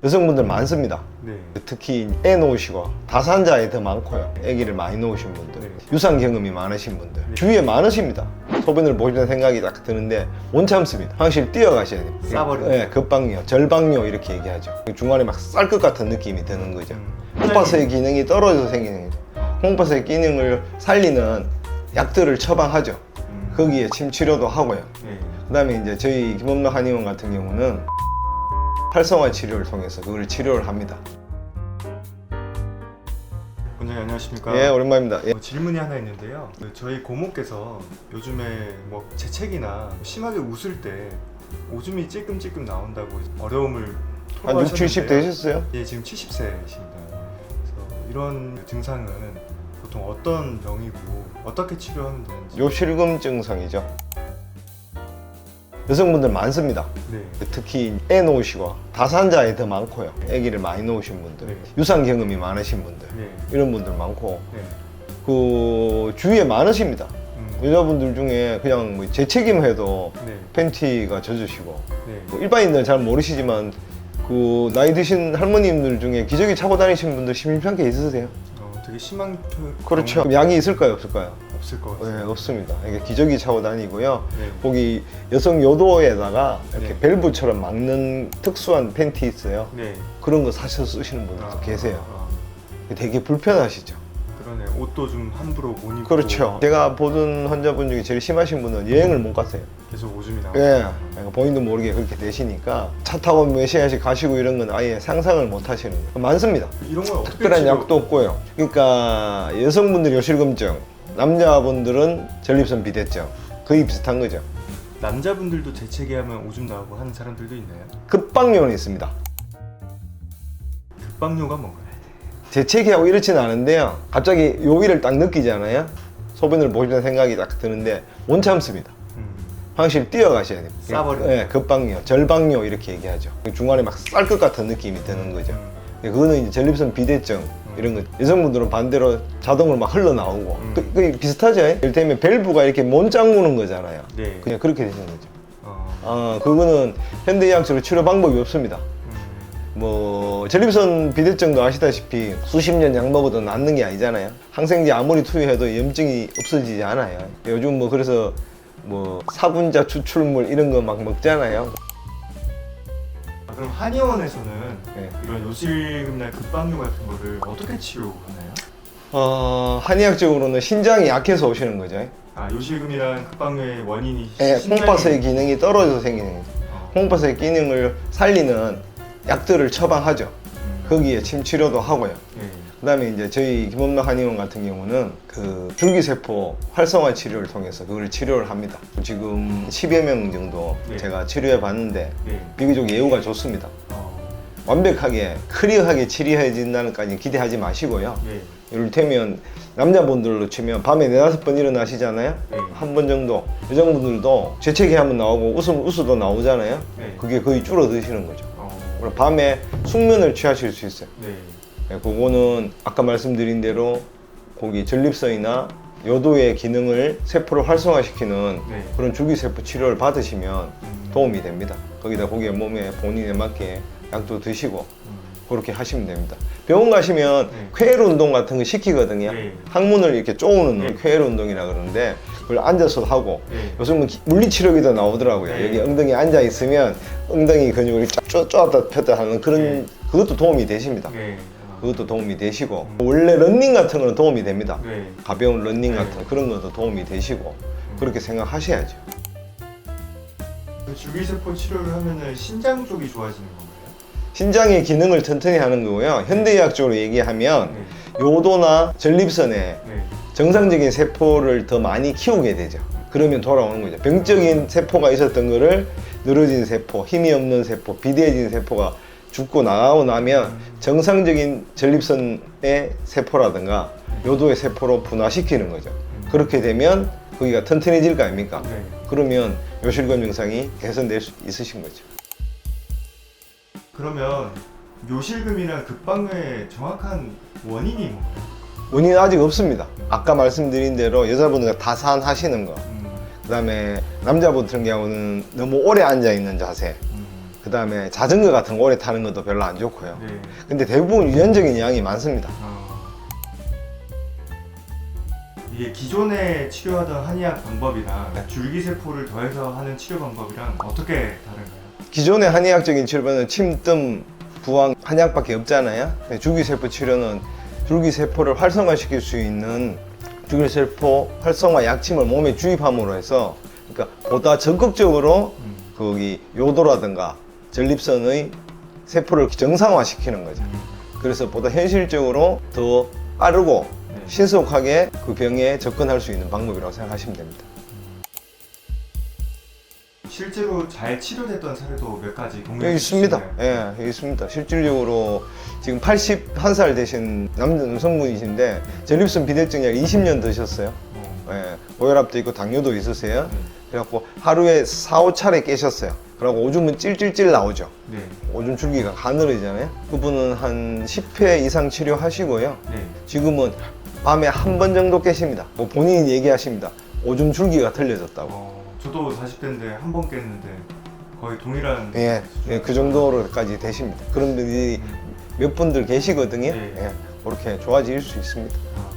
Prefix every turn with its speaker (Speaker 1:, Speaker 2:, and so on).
Speaker 1: 여성분들 많습니다.
Speaker 2: 네.
Speaker 1: 특히 애 놓으시고 다산자에 더 많고요. 아기를 많이 놓으신 분들,
Speaker 2: 네.
Speaker 1: 유산 경험이 많으신 분들
Speaker 2: 네.
Speaker 1: 주위에 많으십니다. 소변을 보시는 생각이 딱 드는데 못 참습니다. 화장실 뛰어가셔야 돼요.
Speaker 2: 싸버리고.
Speaker 1: 네, 급박뇨, 절박뇨 이렇게 얘기하죠. 중간에 막 쌀 것 같은 느낌이 드는 거죠. 콩팥의 기능이 떨어져서 생기는 거죠. 콩팥의 기능을 살리는 약들을 처방하죠. 거기에 침 치료도 하고요.
Speaker 2: 네.
Speaker 1: 그 다음에 이제 저희 김원명 한의원 같은 경우는 활성화 치료를 통해서 그걸 치료를 합니다.
Speaker 2: 원장님 안녕하십니까?
Speaker 1: 예, 오랜만입니다. 예.
Speaker 2: 질문이 하나 있는데요. 저희 고모께서 요즘에 뭐 재채기나 심하게 웃을 때 오줌이 찔끔찔끔 나온다고 어려움을
Speaker 1: 한 60, 70 되셨어요?
Speaker 2: 예, 지금 70세이십니다. 그래서 이런 증상은 보통 어떤 병이고 어떻게 치료하면 되는지.
Speaker 1: 요실금 증상이죠. 여성분들 많습니다.
Speaker 2: 네.
Speaker 1: 특히 애 놓으시고 다산자에 더 많고요. 아기를 많이 놓으신 분들,
Speaker 2: 네.
Speaker 1: 유산 경험이 많으신 분들
Speaker 2: 네.
Speaker 1: 이런 분들 많고
Speaker 2: 네.
Speaker 1: 그 주위에 많으십니다. 여자분들 중에 그냥 뭐 재채기해도
Speaker 2: 네.
Speaker 1: 팬티가 젖으시고
Speaker 2: 네.
Speaker 1: 뭐 일반인들은 잘 모르시지만 그 나이 드신 할머님들 중에 기저귀 차고 다니시는 분들 심심찮게 있으세요?
Speaker 2: 되게 심한
Speaker 1: 그렇죠. 그럼 약이 있을까요, 없을까요?
Speaker 2: 없을 것
Speaker 1: 네,
Speaker 2: 같아요.
Speaker 1: 없습니다. 이게 기저귀 차고 다니고요.
Speaker 2: 네.
Speaker 1: 거기 여성 요도에다가 이렇게
Speaker 2: 네.
Speaker 1: 밸브처럼 막는 특수한 팬티 있어요.
Speaker 2: 네.
Speaker 1: 그런 거 사셔서 쓰시는 분들도 계세요.
Speaker 2: 아,
Speaker 1: 되게 불편하시죠.
Speaker 2: 그러네. 옷도 좀 함부로 못 입고.
Speaker 1: 그렇죠. 제가 보던 환자분 중에 제일 심하신 분은 여행을 못 갔어요.
Speaker 2: 계속 오줌이 나오고.
Speaker 1: 예, 그러니까 본인도 모르게 그렇게 되시니까 차 타고 몇 시간씩 가시고 이런 건 아예 상상을 못 하시는 거예요. 많습니다.
Speaker 2: 이런 건 어떻게
Speaker 1: 특별한
Speaker 2: 치료-
Speaker 1: 약도 없고요. 그러니까 여성분들이 요실금증, 남자분들은 전립선 비대증 거의 비슷한 거죠.
Speaker 2: 남자분들도 재채기하면 오줌 나오고 하는 사람들도 있나요?
Speaker 1: 급박요는 있습니다.
Speaker 2: 급박요가 뭔가요?
Speaker 1: 재채기하고 이렇지는 않은데요. 갑자기 요일을 딱 느끼잖아요. 소변을 보시는 생각이 딱 드는데 못 참습니다. 화장실 뛰어가셔야 됩니다.
Speaker 2: 싸버리고.
Speaker 1: 네, 급박뇨, 절박뇨 이렇게 얘기하죠. 중간에 막 쌀 것 같은 느낌이 드는 거죠. 그거는 이제 전립선 비대증 이런 거. 여성분들은 반대로 자동으로 막 흘러나오고 그게 비슷하죠. 이를테면 밸브가 이렇게 못 잠그는 거잖아요.
Speaker 2: 네.
Speaker 1: 그냥 그렇게 되는 거죠. 그거는 현대의학적으로 치료 방법이 없습니다. 뭐 전립선 비대증도 아시다시피 수십 년 약 먹어도 낫는 게 아니잖아요. 항생제 아무리 투여해도 염증이 없어지지 않아요. 요즘 뭐 그래서 뭐 사분자 추출물 이런 거 막 먹잖아요.
Speaker 2: 그럼 한의원에서는
Speaker 1: 네.
Speaker 2: 이런 요실금이나 급박요 같은 거를 어떻게 치료하나요?
Speaker 1: 한의학적으로는 신장이 약해서 오시는 거죠.
Speaker 2: 요실금이랑 급박요의 원인이
Speaker 1: 네,
Speaker 2: 신장이-
Speaker 1: 콩팥의 기능이 떨어져서 생기는 거죠. 콩팥의 기능을 살리는 약들을 처방하죠. 거기에 침 치료도 하고요.
Speaker 2: 네.
Speaker 1: 그 다음에 이제 저희 김원명 한의원 같은 경우는 그 줄기세포 활성화 치료를 통해서 그걸 치료를 합니다. 지금 10여 명 정도
Speaker 2: 네.
Speaker 1: 제가 치료해 봤는데
Speaker 2: 네.
Speaker 1: 비교적 예후가 좋습니다. 완벽하게 클리어하게 치료해진다는까지 기대하지 마시고요.
Speaker 2: 네.
Speaker 1: 이를테면 남자분들로 치면 밤에 4-5번 일어나시잖아요.
Speaker 2: 네.
Speaker 1: 한 번 정도. 여성분들도 재채기 한번 나오고 웃어도 나오잖아요.
Speaker 2: 네.
Speaker 1: 그게 거의 줄어드시는 거죠. 그리고 밤에 숙면을 취하실 수 있어요.
Speaker 2: 네.
Speaker 1: 네, 그거는 아까 말씀드린 대로 거기 전립선이나 요도의 기능을 세포를 활성화시키는
Speaker 2: 네.
Speaker 1: 그런 줄기세포 치료를 받으시면 도움이 됩니다. 거기다 거기에 몸에 본인에 맞게 약도 드시고 그렇게 하시면 됩니다. 병원 가시면
Speaker 2: 네.
Speaker 1: 쾌혈 운동 같은 거 시키거든요.
Speaker 2: 네.
Speaker 1: 항문을 이렇게 쪼우는
Speaker 2: 네.
Speaker 1: 쾌혈 운동이라 그러는데 그걸 앉아서 하고
Speaker 2: 네.
Speaker 1: 요즘은 물리치료기도 나오더라고요.
Speaker 2: 네.
Speaker 1: 여기 엉덩이 앉아 있으면 엉덩이 근육을 쫙 쪼았다 폈다 하는 그런
Speaker 2: 네.
Speaker 1: 그것도 도움이 되십니다.
Speaker 2: 네.
Speaker 1: 그것도 도움이 되시고 원래 러닝 같은 거는 도움이 됩니다.
Speaker 2: 네.
Speaker 1: 가벼운 러닝
Speaker 2: 네.
Speaker 1: 같은 그런 것도 도움이 되시고 그렇게 생각하셔야죠.
Speaker 2: 그 줄기세포 치료를 하면은 신장 쪽이 좋아지는 건가요?
Speaker 1: 신장의 기능을 튼튼히 하는 거고요. 현대의학적으로 얘기하면
Speaker 2: 네.
Speaker 1: 요도나 전립선에
Speaker 2: 네.
Speaker 1: 정상적인 세포를 더 많이 키우게 되죠. 그러면 돌아오는 거죠. 병적인 세포가 있었던 거를 늘어진 세포, 힘이 없는 세포, 비대해진 세포가 죽고 나가고 나면 정상적인 전립선의 세포라든가 요도의 세포로 분화시키는 거죠. 그렇게 되면 거기가 튼튼해질 거 아닙니까?
Speaker 2: 네.
Speaker 1: 그러면 요실금 증상이 개선될 수 있으신 거죠.
Speaker 2: 그러면 요실금이랑 급박요의 정확한 원인이 뭔가요?
Speaker 1: 원인은 아직 없습니다. 아까 말씀드린 대로 여자분들 다산하시는 거, 그 다음에 남자분 같은 경우는 너무 오래 앉아 있는 자세, 그다음에 자전거 같은 거 오래 타는 것도 별로 안 좋고요.
Speaker 2: 네.
Speaker 1: 근데 대부분 유전적인 양이 많습니다.
Speaker 2: 이게 기존에 치료하던 한의학 방법이랑
Speaker 1: 네.
Speaker 2: 줄기세포를 더해서 하는 치료 방법이랑 어떻게 다른가요?
Speaker 1: 기존의 한의학적인 치료는 침뜸, 부항, 한약밖에 없잖아요. 근데 줄기세포 치료는 줄기세포를 활성화시킬 수 있는 줄기세포 활성화 약침을 몸에 주입함으로 해서 그러니까 보다 적극적으로 거기 요도라든가 전립선의 세포를 정상화시키는 거죠. 그래서 보다 현실적으로 더 빠르고
Speaker 2: 네.
Speaker 1: 신속하게 그 병에 접근할 수 있는 방법이라고 생각하시면 됩니다.
Speaker 2: 실제로 잘 치료됐던 사례도 몇 가지
Speaker 1: 여기
Speaker 2: 공유해
Speaker 1: 있습니다.
Speaker 2: 주시나요?
Speaker 1: 예, 여기 있습니다. 실질적으로 지금 81살 되신 남성분이신데 전립선 비대증 약 20년 드셨어요. 예, 고혈압도 있고 당뇨도 있으세요. 그래갖고 하루에 4, 5차례 깨셨어요. 그러고 오줌은 찔찔찔 나오죠.
Speaker 2: 네.
Speaker 1: 오줌 줄기가 가늘어지잖아요. 그분은 한 10회 이상 치료하시고요.
Speaker 2: 네.
Speaker 1: 지금은 밤에 한 번 정도 깨십니다. 뭐 본인이 얘기하십니다. 오줌 줄기가 틀려졌다고.
Speaker 2: 저도 40대인데 한 번 깼는데 거의 동일한
Speaker 1: 예, 그 정도로까지 되십니다. 그런 분들이 몇 분들 계시거든요.
Speaker 2: 네.
Speaker 1: 예, 그렇게 좋아질 수 있습니다.